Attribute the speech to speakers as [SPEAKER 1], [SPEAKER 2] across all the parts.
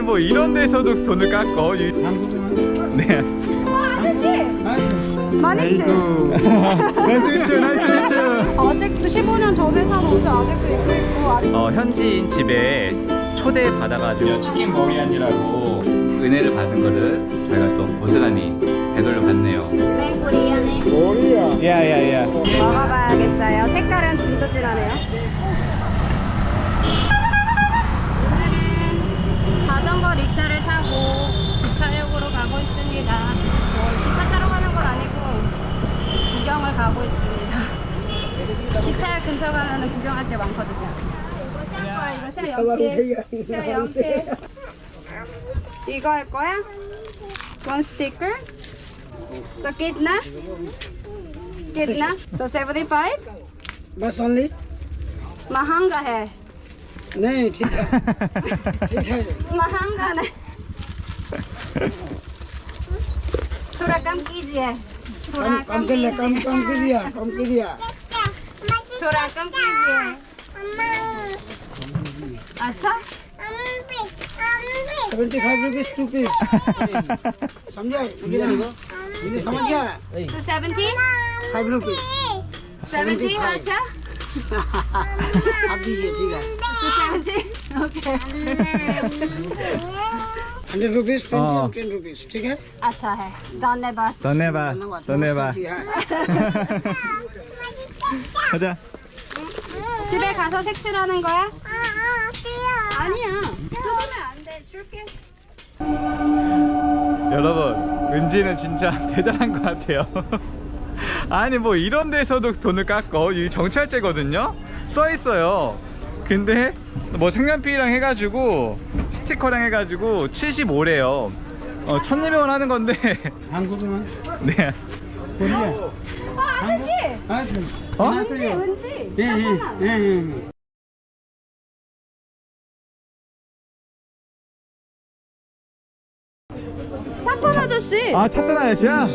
[SPEAKER 1] 아니 뭐 이런 데서도 돈을 깎어. 네.
[SPEAKER 2] 아저씨! 많이 있지?
[SPEAKER 1] 나이스 미츠, 나이스 미츠.
[SPEAKER 2] 아직도 15년 전에 산 옷을 아직도 입고 있고 아직...
[SPEAKER 1] 현지인 집에 초대 받아가지고 치킨 머리안이라고 은혜를 받은 거를 저희가 또 고스란히 되돌려 받네요.
[SPEAKER 2] 네, 코리아네.
[SPEAKER 1] 머리야. 야야야.
[SPEAKER 2] 먹어봐야겠어요. 색깔은 진짜 진하네요. 오늘은 자전거 릭샤를 타고 기차역으로 가고 있습니다. 기차 타러 가는 건 아니고 구경을 가고 있습니다. 기차역 근처 가면 구경할 게 많거든요. 이거 할 거야? One sticker? So kitna? Kitna? So 75?
[SPEAKER 3] बस ओनली
[SPEAKER 2] महंगा है
[SPEAKER 3] नहीं ठीक है ठीक है
[SPEAKER 2] महंगा नहीं थोड़ा कम कीजिए थोड़ा
[SPEAKER 3] कम कर लिया कम कर दिया
[SPEAKER 2] थोड़ा कम कीजिए अच्छा
[SPEAKER 3] 75 रुपीस 2 पीस समझा ये समझ गया
[SPEAKER 2] तो 70
[SPEAKER 3] 5 रुपीस
[SPEAKER 2] 70 अच्छा
[SPEAKER 3] आप दीजिए ठीक है
[SPEAKER 2] तो 70 ओके
[SPEAKER 3] 100 रुपीस 10 रुपीस ठीक है
[SPEAKER 2] अच्छा है धन्यवाद
[SPEAKER 1] धन्यवाद.
[SPEAKER 3] नमस्कार जी, हाँ।
[SPEAKER 1] 가자.
[SPEAKER 2] 집에 가서 색칠하는 거야? 아니야 뜯으면 안 돼 줄게
[SPEAKER 1] 여러분, 은지는 진짜 대단한 것 같아요. 아니 뭐 이런 데서도 돈을 깎어. 이 정찰제거든요. 써 있어요. 근데 뭐 색연필이랑 해가지고 스티커랑 해가지고 75래요. 1200원 하는 건데.
[SPEAKER 3] 한국은
[SPEAKER 1] 네.
[SPEAKER 3] 코리아
[SPEAKER 2] 아저씨
[SPEAKER 1] 어?
[SPEAKER 2] 은지
[SPEAKER 3] 예.
[SPEAKER 2] 샤폰 아저씨
[SPEAKER 1] 아, 찾던 아저씨야?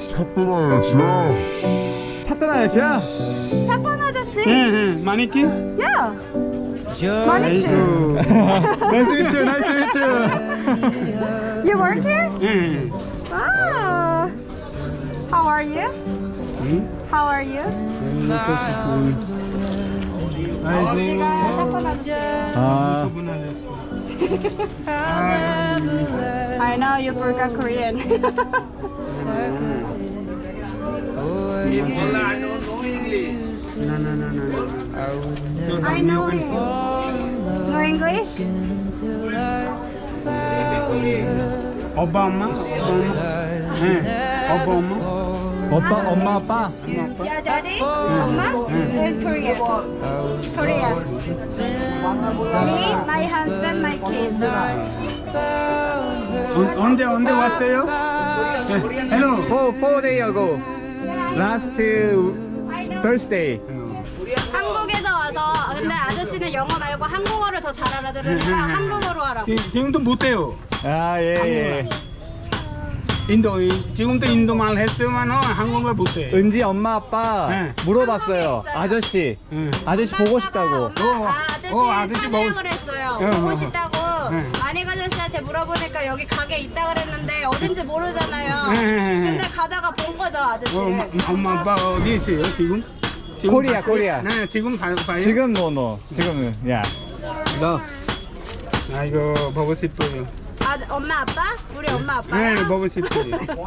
[SPEAKER 1] 찾던 아저씨야?
[SPEAKER 2] 샤폰 아저씨
[SPEAKER 3] 마니키
[SPEAKER 2] 야 많이
[SPEAKER 1] 나이스 미츠, 나이스 미츠.
[SPEAKER 2] You work here?
[SPEAKER 3] 예.
[SPEAKER 2] Ah. How are you? How are you? 아저씨가 샤폰 아저씨
[SPEAKER 1] 아,
[SPEAKER 2] I know you forgot Korean I know him No English?
[SPEAKER 3] 오바마 오바마
[SPEAKER 1] 엄마, 아빠?
[SPEAKER 2] Yeah, daddy? 엄마? In Korea Korea Me, my husband, my kids
[SPEAKER 3] 언제 왔어요? 헬로
[SPEAKER 1] Four days ago. Last Thursday.
[SPEAKER 2] 한국에서 와서 근데 아저씨는 영어 말고 한국어를 더 잘 알아들으니까 한국어로 하라고
[SPEAKER 3] 지금도 못해요.
[SPEAKER 1] 아, 예.
[SPEAKER 3] 지금도 인도 말 했으면 한국말 못해.
[SPEAKER 1] 은지 엄마 아빠
[SPEAKER 3] 네.
[SPEAKER 1] 물어봤어요. 아저씨.
[SPEAKER 3] 응.
[SPEAKER 1] 아저씨 보고 싶다고.
[SPEAKER 2] 엄마가 아저씨
[SPEAKER 3] 아저씨
[SPEAKER 2] 찾으라
[SPEAKER 3] 보고-
[SPEAKER 2] 그랬어요
[SPEAKER 3] 응,
[SPEAKER 2] 보고
[SPEAKER 3] 응,
[SPEAKER 2] 싶다고
[SPEAKER 3] 응.
[SPEAKER 2] 만익 아저씨한테 물어보니까 여기 가게 있다 그랬는데 어딘지 모르잖아요
[SPEAKER 3] 응.
[SPEAKER 2] 근데 가다가 본 거죠 아저씨
[SPEAKER 3] 엄마 아빠 어디 있어요 지금?
[SPEAKER 1] 코리아,
[SPEAKER 3] 봤어요?
[SPEAKER 1] 코리아.
[SPEAKER 3] 네, 지금 봐요.
[SPEAKER 1] 지금 너. 지금은. 야.
[SPEAKER 3] 아이고 보고 싶어요.
[SPEAKER 2] 엄마 아빠? 우리 엄마 아빠야?
[SPEAKER 3] 네, 보고 싶어요.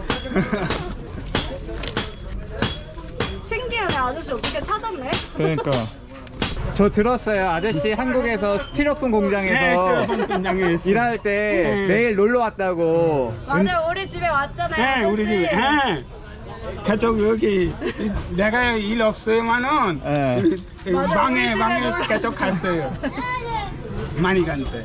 [SPEAKER 2] 신기하네 아저씨 어떻게 찾았네
[SPEAKER 1] 그러니까. 저 들었어요. 아저씨 한국에서 스티로폼
[SPEAKER 3] 네,
[SPEAKER 1] 공장에서
[SPEAKER 3] 공장에 있어요.
[SPEAKER 1] 일할 때 매일 놀러 왔다고.
[SPEAKER 2] 맞아요 우리 집에 왔잖아요
[SPEAKER 3] 네,
[SPEAKER 2] 아저씨
[SPEAKER 3] 우리 집에. 네. 계속 여기 내가 일 없으면은
[SPEAKER 1] 네.
[SPEAKER 2] 맞아,
[SPEAKER 3] 방에
[SPEAKER 2] 우리 집에
[SPEAKER 3] 계속 갔어요. 많이 간대.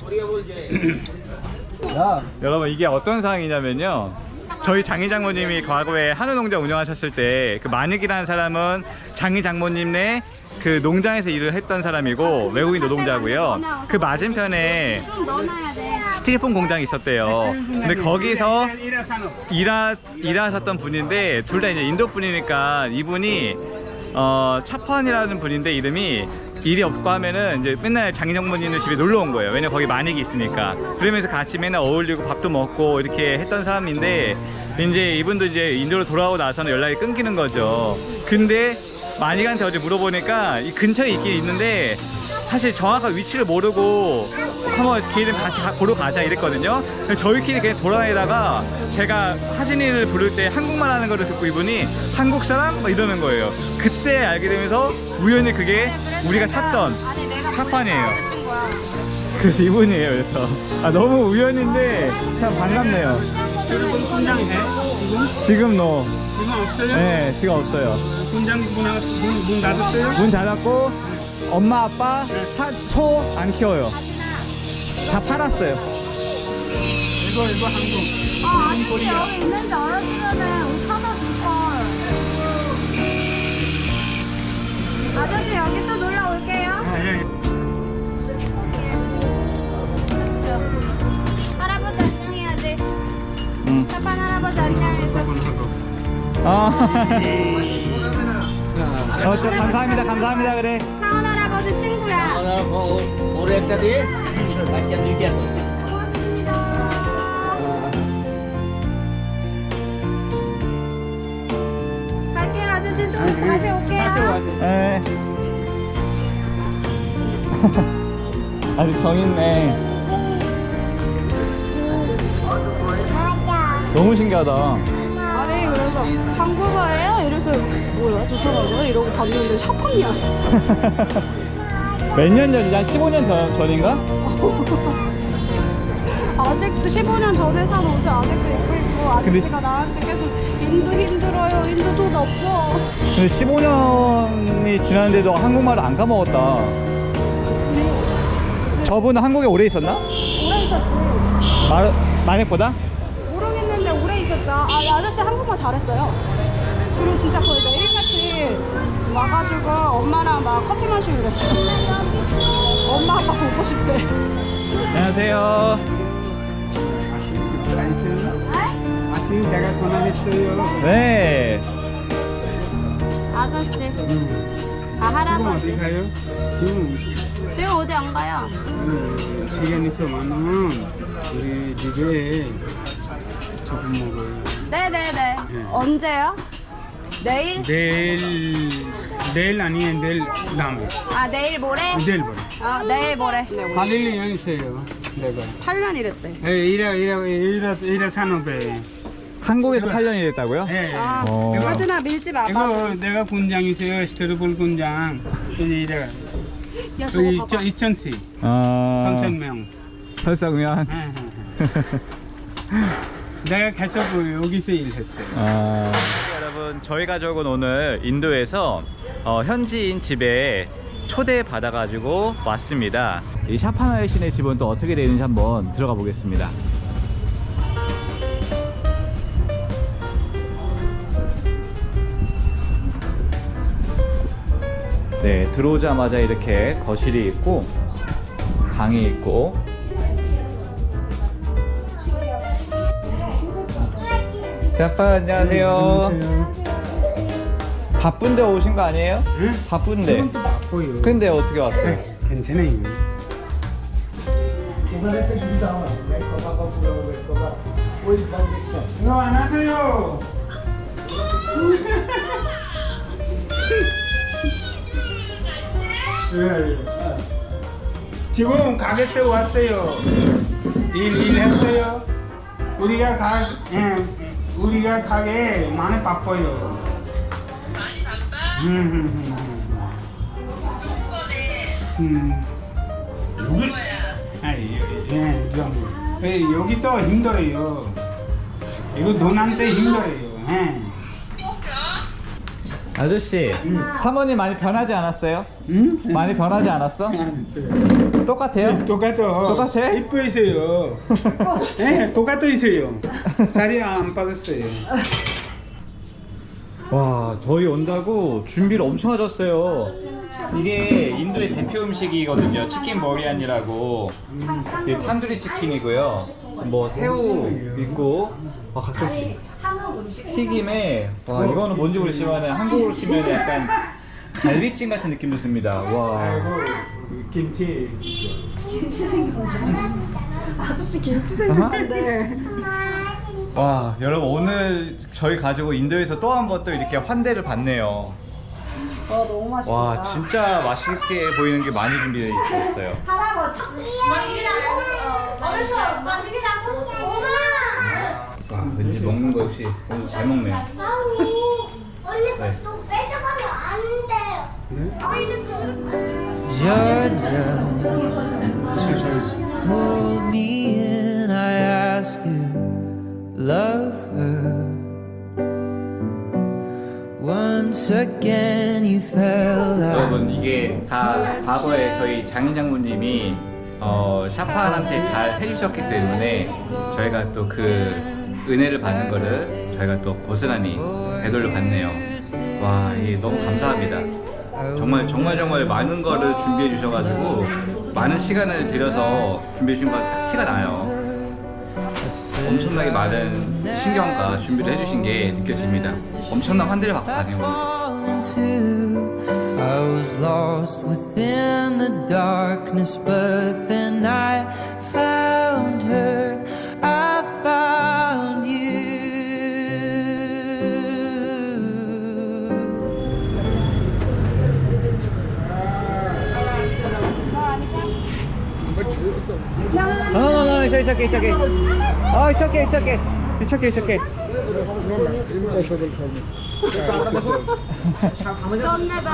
[SPEAKER 1] 여러분 이게 어떤 상황이냐면요. 저희 장희 장모님이 과거에 한우 농장 운영하셨을 때 그 만익이라는 사람은 장희 장모님네 그 농장에서 일을 했던 사람이고 외국인 노동자고요. 그 맞은편에
[SPEAKER 2] 좀 넣어놔야 돼
[SPEAKER 1] 스티로폼 공장이 있었대요. 근데 거기서
[SPEAKER 3] 일하산업.
[SPEAKER 1] 일하셨던 분인데 둘 다 이제 인도 분이니까 이분이 차판이라는 분인데 이름이 일이 없고 하면은 이제 맨날 장인어머니네 집에 놀러 온 거예요. 왜냐면 거기 만익이 있으니까. 그러면서 같이 맨날 어울리고 밥도 먹고 이렇게 했던 사람인데, 이제 이분도 이제 인도로 돌아오고 나서는 연락이 끊기는 거죠. 근데 만익한테 어제 물어보니까 이 근처에 있긴 있는데 사실 정확한 위치를 모르고 한번 기회 되면 같이 보러 가자 이랬거든요. 그래서 저희끼리 그냥 돌아다니다가 제가 하진이를 부를 때 한국말 하는 거를 듣고 이분이 한국 사람? 막 이러는 거예요. 그때 알게 되면서 우연히 그게 우리가 찾던
[SPEAKER 2] 아니, 내가
[SPEAKER 1] 차판이에요.
[SPEAKER 2] 보내준 거야.
[SPEAKER 1] 그래서 이분이에요. 그래서 너무 우연인데 참 반갑네요.
[SPEAKER 3] 여러분 군장이 돼?
[SPEAKER 1] 지금 너
[SPEAKER 3] 지금 없어요?
[SPEAKER 1] 네, 지금 없어요.
[SPEAKER 3] 군장 문 닫았어요?
[SPEAKER 1] 문 닫았고 엄마 아빠 소 안 키워요. 다 팔았어요.
[SPEAKER 3] 이거 한국.
[SPEAKER 2] 아니, 여기 있는지 알았으면 옷 사다 줄걸. 아저씨, 여기 또 놀러 올게요. 할아버지 안녕해야지.
[SPEAKER 1] 응.
[SPEAKER 2] 차판 할아버지 안녕해줘.
[SPEAKER 1] 감사합니다. 감사합니다. 그래.
[SPEAKER 2] 차원 할아버지 친구야.
[SPEAKER 3] 오래까지 맛있게 즐겨.
[SPEAKER 2] 갈게요, 아저씨. 또 다시 올게요.
[SPEAKER 1] 네. 아주 정있네. 너무 신기하다.
[SPEAKER 2] 아니, 그래서 한국어예요? 이래서 뭐야, 주셔가지고 이러고 봤는데 샤판이야.
[SPEAKER 1] 몇 년 전이지? 한 15년 전인가?
[SPEAKER 2] 아직도 15년 전에 산 옷을 아직도 입고 있고,
[SPEAKER 1] 근데
[SPEAKER 2] 아저씨가 나한테 계속 인도 힘들어요, 인도 돈 없어.
[SPEAKER 1] 근데 15년이 지났는데도 한국말을 안 까먹었다. 저분은 한국에 오래 있었나?
[SPEAKER 2] 오래 있었지.
[SPEAKER 1] 만익보다?
[SPEAKER 2] 모르겠는데 오래 있었죠. 아저씨 한국말 잘했어요. 그리고 진짜 거의 매일같이 와가지고 엄마랑 막 커피 마시고 그랬어. 엄마 아빠 보고 싶대.
[SPEAKER 1] 안녕하세요.
[SPEAKER 3] 아침 내가 전화했어요.
[SPEAKER 1] 네.
[SPEAKER 2] 아저씨.
[SPEAKER 3] 지금
[SPEAKER 2] 할아버지.
[SPEAKER 3] 어디 가요? 지금
[SPEAKER 2] 지금 어디 안 가요?
[SPEAKER 3] 시간 있으면은 우리 집에 조금 먹어요.
[SPEAKER 2] 네네네.
[SPEAKER 3] 네.
[SPEAKER 2] 언제요? 내일?
[SPEAKER 3] 내일 아니에요. 내일 다음에.
[SPEAKER 2] 내일 모레?
[SPEAKER 3] 내일 보래.
[SPEAKER 2] 내일 모레.
[SPEAKER 3] 8년 있어요. 내가.
[SPEAKER 2] 8년 이랬대.
[SPEAKER 3] 이래 산업에.
[SPEAKER 1] 한국에서 8년이 됐다고요?
[SPEAKER 3] 예.
[SPEAKER 2] 하진아 밀지 마.
[SPEAKER 3] 이거 내가 군장이세요. 스테르볼 군장. 이래.
[SPEAKER 2] 야, 저거 봐봐.
[SPEAKER 3] 2,000씩.
[SPEAKER 1] 아.
[SPEAKER 3] 3,000명.
[SPEAKER 1] 설사구면.
[SPEAKER 3] 내가 계속 여기서 일했어요.
[SPEAKER 1] 여러분, 저희 가족은 오늘 인도에서 현지인 집에 초대받아가지고 왔습니다. 이 샤파나의 신의 집은 또 어떻게 되는지 한번 들어가 보겠습니다. 네, 들어오자마자 이렇게 거실이 있고 방이 있고, 아빠 안녕하세요. 바쁜데 오신 거 아니에요?
[SPEAKER 3] 응?
[SPEAKER 1] 바쁜데.
[SPEAKER 3] 바빠요.
[SPEAKER 1] 근데 어떻게 왔어요?
[SPEAKER 3] 괜찮아요. 이거 안 하세요. 지금 가게에 왔어요. 일했어요. 우리가 가게 많이 바빠요. 많이 바빠? 여기 또 힘들어요. 이거 돈한테 힘들어요.
[SPEAKER 1] 아저씨, 사모님 많이 변하지 않았어요?
[SPEAKER 3] 응?
[SPEAKER 1] 많이 변하지 않았어?
[SPEAKER 3] 알았어요.
[SPEAKER 1] 똑같아요?
[SPEAKER 3] 똑같아? 이뻐 있어요. 네, 똑같아 있어요. 살이 안 빠졌어요.
[SPEAKER 1] 와, 저희 온다고 준비를 엄청 하셨어요. 이게 인도의 대표 음식이거든요. 치킨 머리안이라고. 이게 탄두리 치킨이고요. 뭐 새우 있고, 각종 튀김에, 와, 이거는 뭔지 모르지만 한국으로 치면 약간 갈비찜 같은 느낌도 듭니다. 와.
[SPEAKER 3] 아이고 김치.
[SPEAKER 2] 아저씨 김치 생겼는데.
[SPEAKER 1] 와, 여러분 오늘 저희 가지고 인도에서 또 한 번 또 이렇게 환대를 받네요.
[SPEAKER 2] 와 너무 맛있다.
[SPEAKER 1] 와, 진짜 맛있게 보이는 게 많이 준비되어 있어요.
[SPEAKER 2] 할아버지.
[SPEAKER 1] 와, 왠지 먹는 거 역시 오늘 잘 먹네요. 네.
[SPEAKER 4] Georgia pulled me in. I asked you, love her. Once again, you fell out.
[SPEAKER 1] 여러분 이게 다 과거에 저희 장인 장모님이 샤판한테 잘 해주셨기 때문에 저희가 또 그 은혜를 받는 거를 저희가 또 고스란히 되돌려 받네요. 와, 이게 너무 감사합니다. 정말 많은 거를 준비해 주셔가지고 많은 시간을 들여서 준비해 주신 거 딱 티가 나요. 엄청나게 많은 신경과 준비를 해주신 게 느껴집니다. 엄청난 환대를 받고 가네요.
[SPEAKER 4] Fall into. I was lost within the darkness, but then I found her. I found you.
[SPEAKER 1] No, it's okay. Oh, it's okay.
[SPEAKER 2] 썸네다.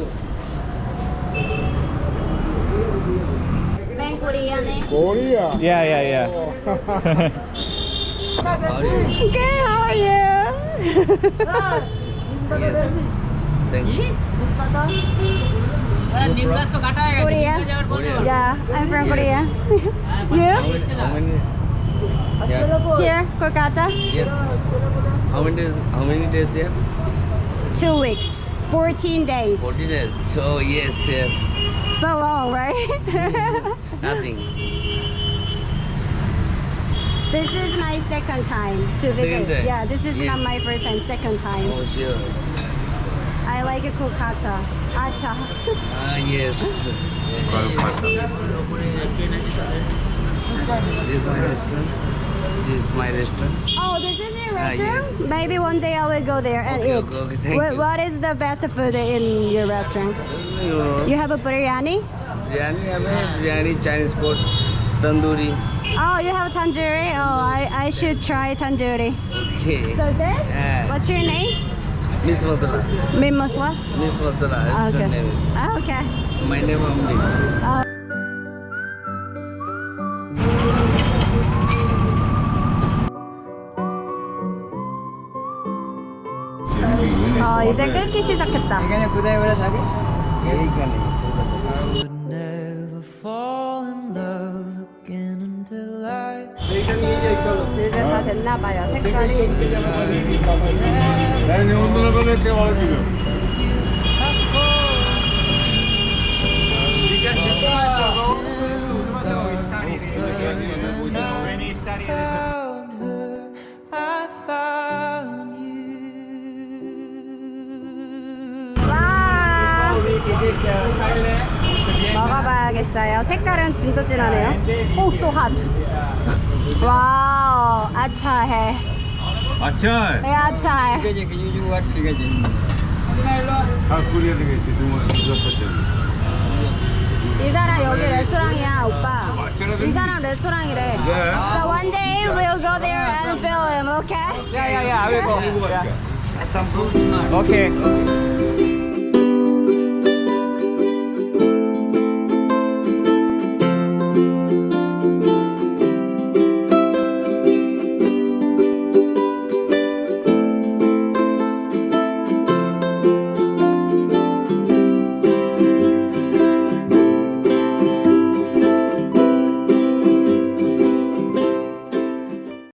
[SPEAKER 2] 맨 코리아네.
[SPEAKER 1] Yeah.
[SPEAKER 2] Good, how are you? Korea? Yeah, I'm from Korea. You? Here, Kolkata?
[SPEAKER 5] Yes. How many days there?
[SPEAKER 2] 2 weeks. 14 days.
[SPEAKER 5] 14 days. So yes.
[SPEAKER 2] So long, right?
[SPEAKER 5] Nothing.
[SPEAKER 2] This is my second time to visit.
[SPEAKER 5] Second time?
[SPEAKER 2] Yeah, this is
[SPEAKER 5] Yes.
[SPEAKER 2] not my first time, second time.
[SPEAKER 5] Oh sure.
[SPEAKER 2] I like Kolkata. Acha.
[SPEAKER 5] Yes. This is my restaurant. This is my restaurant.
[SPEAKER 2] Oh, this is your restaurant?
[SPEAKER 5] yes.
[SPEAKER 2] Maybe one day I will go there and
[SPEAKER 5] Okay,
[SPEAKER 2] eat.
[SPEAKER 5] okay, thank you.
[SPEAKER 2] What is the best food in your restaurant?
[SPEAKER 5] You know,
[SPEAKER 2] You have a biryani?
[SPEAKER 5] biryani, Chinese food, tandoori.
[SPEAKER 2] Oh, you have tandoori? Oh, I should try tandoori.
[SPEAKER 5] Okay.
[SPEAKER 2] So this?
[SPEAKER 5] Yeah.
[SPEAKER 2] What's your name?
[SPEAKER 5] Miss Masala.
[SPEAKER 2] Min Masla?
[SPEAKER 5] Miss Masala. Restaurant
[SPEAKER 2] Okay.
[SPEAKER 5] name is.
[SPEAKER 2] Okay.
[SPEAKER 5] My name Amdi.
[SPEAKER 2] 이제 끓기 시작했다.
[SPEAKER 4] I would never fall in love again until I.
[SPEAKER 2] 이제 다 됐나봐요, 색깔이.
[SPEAKER 4] Found her, I found you.
[SPEAKER 2] 와! 먹어봐야겠어요. 색깔은 진짜 진하네요. 오, so hot. 와우, 아차해.
[SPEAKER 1] 아차.
[SPEAKER 2] 네, 아차해. 이 사람 여기 레스토랑이야, 오빠. 이 사람 레스토랑이래. So one day we'll go there and film him, okay?
[SPEAKER 1] Yeah, I will go. Okay.